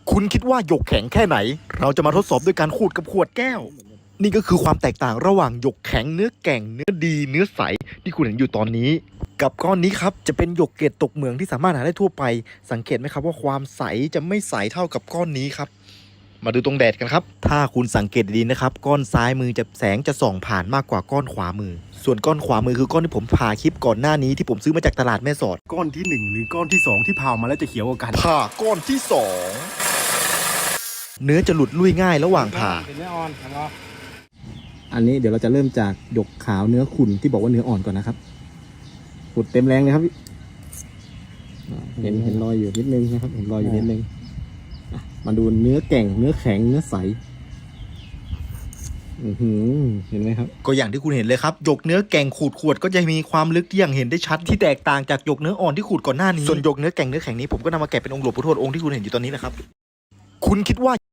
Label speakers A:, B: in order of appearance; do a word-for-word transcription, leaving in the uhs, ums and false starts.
A: คุณคิดว่าหยกแข็งแค่ไหนเราจะมาทดสอบด้วยการขูดกับขวดแก้วนี่ก็คือความแตกต่างระหว่างหยกแข็งเนื้อแก่งเนื้อดีเนื้อใสที่คุณเห็นอยู่ตอนนี้กับก้อนนี้ครับจะเป็นหยกเกล็ดตกเหมืองที่สามารถหาได้ทั่วไปสังเกตไหมครับว่าความใสจะไม่ใสเท่ากับก้อนนี้ครับมาดูตรงแดดกันครับถ้าคุณสังเกตดีนะครับก้อนซ้ายมือจะแสงจะส่องผ่านมากกว่าก้อนขวามือส่วนก้อนขวามือคือก้อนที่ผมผ่าคลิปก่อนหน้านี้ที่ผมซื้อมาจากตลาดแม่สอด
B: ก้อนที่หนึ่งหรือก้อนที่สองที่ผ่ามาแล้วจะเขียวกว่ากัน
A: ผ่าก้อนที่สองเนื้อจะหลุดลุ่ยง่ายระหว่างผ่า
C: เป็นเนื้ออ่อนครับ
B: อันนี้เดี๋ยวเราจะเริ่มจากหยกขาวเนื้อขุ่นที่บอกว่าเนื้ออ่อนก่อนนะครับขุดเต็มแรงเลยครับเห็นเห็นรอยอยู่นิดนึงนะครับเห็นรอยอยู่นิดนึงมาดูเนื้อแก่งเนื้อแข็งเนื้อใสอือหือเห็นไหมครับ
A: ก็อย่างที่คุณเห็นเลยครับหยกเนื้อแก่งขูดขวดก็จะมีความลึกที่อย่างเห็นได้ชัดที่แตกต่างจากหยกเนื้ออ่อนที่ขูดก่อนหน้านี้ส่วนหยกเนื้อแก่งเนื้อแข็งนี้ผมก็นำมาแกะเป็นองค์หลวงปู่ทวดองค์ที่คุณเห็นอยู่ตอนนี้นะครับคุณคิดว่า